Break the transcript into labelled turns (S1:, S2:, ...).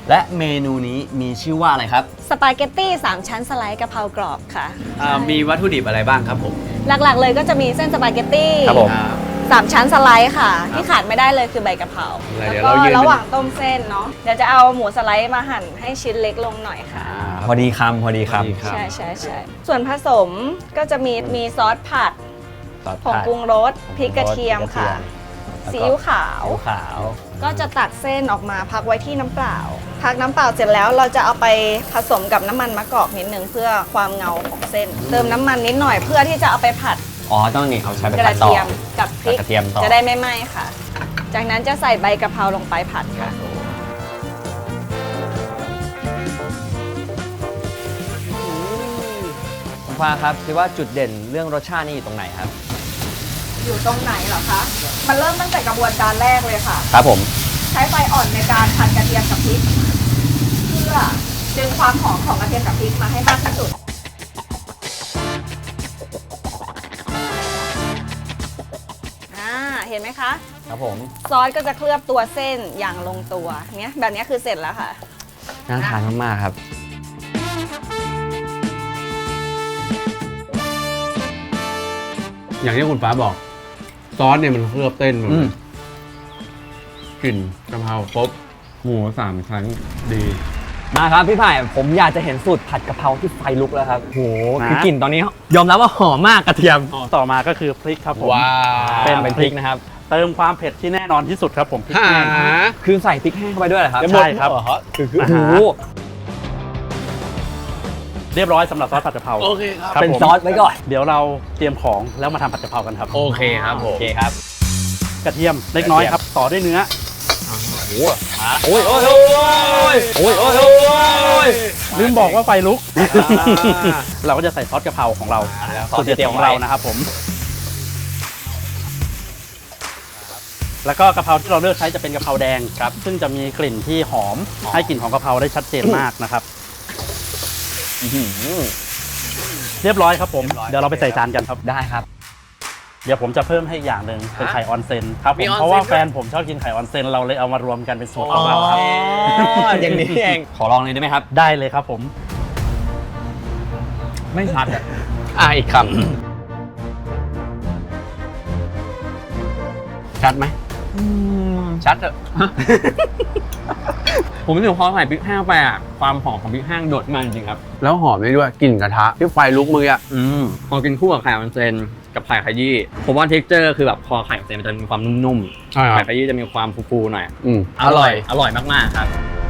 S1: และเมนูนี้มีชื่อว่าอะไรครับ
S2: สปาเกตตี้3ชั้นสไลด์กะเพรากรอบค่ะ
S3: มีวัตถุดิบอะไรบ้างครับผม
S2: หลักๆเลยก็จะมีเส้นสปาเกตตี้
S1: ครับผม
S2: 3ชั้นสไลด์ค่ะที่ขาดไม่ได้เลยคือใบกะเพรา
S3: เดี๋ยว
S2: แล้ว
S3: เรายื
S2: ก็
S3: น
S2: ระหว่างต้มเส้นเนาะเดี๋ยวจะเอาหมูสไลด์มาหั่นให้ชิ้นเล็กลงหน่อยค่ะ
S1: พอดีคำพอดีค
S2: ใช่ส่วนผสมก็จะมีซอสผัด
S1: ำซอส
S2: ผงปรุงรสพริกกระเทียมค่ะซีอิ๊วขาว
S1: ซีอิ๊วขาว
S2: ก็จะตักเส้นออกมาพักไว้ที่น้ำเปล่า พักน้ำเปล่าเสร็จแล้วเราจะเอาไปผสมกับน้ำมันมะกอกนิดนึงเพื่อความเงาของเส้น เติมน้ำมันนิดหน่อยเพื่อที่จะเอาไปผัด
S1: อ๋อต้องนี่เอาใช้ไป
S2: ก
S1: ผั
S2: ระ
S1: ดต่อ
S2: เทียมกับพริก
S1: กระเทียมต่อ
S2: จะได้ไม่ไหม้ค่ะ จากนั้นจะใส่ใบกะเพราลงไปผัดค่ะ
S1: คุณฟ้าครับคิดว่าจุดเด่นเรื่องรสชาตินี่อยู่ตรงไหนครับ
S2: อยู่ตรงไหนเหรอคะ มันเริ่มตั้งแต่กระบวนการแรกเลยค่ะ
S1: ครับผม
S2: ใช้ไฟอ่อนในการผัดกระเทียมกับพริก เพื่อดึงความหอมของกระเทียมกับพริกมาให้มากที่สุด เห็นไหมคะ
S1: ครับผม
S2: ซอสก็จะเคลือบตัวเส้นอย่างลงตัวเนี้ยแบบนี้คือเสร็จแล้วค่ะ
S1: น่าทานมากๆครับ
S3: อย่างที่คุณฟ้าบอก ซอสเนี่ยมันเคลือบเส้นมัน
S1: อืม
S3: กลิ่นกะเพราครบหมู3 ชั้นดี
S1: มาครับพี่ไผ่ผมอยากจะเห็นสูตรผัดกะเพราที่ไฟลุกแล้วครับโห
S4: นะ
S1: คือกลิ่นตอนนี้ยอมรับว่าหอมมากกระเทียม
S4: ต่อมาก็คือพริกครับผม
S3: ว้าว
S1: เป็นพริกนะครับ
S4: เติมความเผ็ดที่แน่นอนที่สุดครับผมพริก
S3: หา
S4: แห้ง
S1: คือใส่พริกแห้งเข้าไปด้วยเหรอครับ
S4: ใช่ครับ
S1: โอ้โห
S4: เรียบร้อยสำหรับซอสผัดกะเพรา
S3: โอเคครับ
S4: ครับ
S1: เป็น
S4: ผม
S1: ซอสไว้ก่อน
S4: เดี๋ยวเราเตรียมของแล้วมาทำผัดกะเพรากันครับ
S3: โอเคครับผ
S1: โอ
S3: ม
S1: เคครับ
S4: กระเทียมเล็กน้อยครับ ต่อด้วยเนื้อ
S1: โอ้ยโอ้ยโอ้ยโอ้ยโอ้ยโอ้ย
S4: ลืมบอกว่าไฟลุก เราก็จะใส่ซอสกะเพราของเรา
S1: ซอ
S4: สู
S1: ส
S4: ตร
S1: ที่
S4: เด็ด
S1: เตรียม
S4: ของ
S1: ไว้
S4: เรานะครับผม แล้วก็กะเพราที่เราเลือกใช้จะเป็นกะเพราแดงครับ ซึ่งจะมีกลิ่นที่หอมให้กลิ่นของกะเพราได้ชัดเจนมากนะครับ เรียบร้อยครับผม เดี๋ยวเราไปใส่จานกันครับ
S1: ได้ครับ
S4: เดี๋ยวผมจะเพิ่มให้อีกอย่างหนึ่งเป็นไข่ออนเซนครับผ
S3: มี
S4: ม
S3: ออนเซ็น
S4: เพราะว่า
S3: ด้วย
S4: แฟนผมชอบกินไข่ออนเซนเราเลยเอามารวมกันเป็นสูตรของเราครับ
S1: อย่างนี้เอง ขอลองเลยได้ไหมครับ
S4: ได้เลยครับผม
S1: ไม่ชัดอ่ะ
S3: อีกคำชัดไหมชัดเถอะ
S1: ผมรู้สึกพอใส่พริกแห้งไปอ่ะ ความหอมของพริกแห้งโดดมาจริงๆครับ
S3: แล้วหอมได้ด้วยกลิ่นกระทะที่ไฟลุกมืออ่ะ
S1: พอกินคู่กับไข่ออนเซนกับไข่ขยี้ผมว่าเท็กเจอร์คือแบบพอไข่ออนเซนมันจะมีความนุ่ม
S3: ใช่
S1: ๆ
S3: ครับ
S1: ไข่ขยี้จะมีความฟูๆหน่อย
S3: อืม
S1: อร่อยมากๆครับ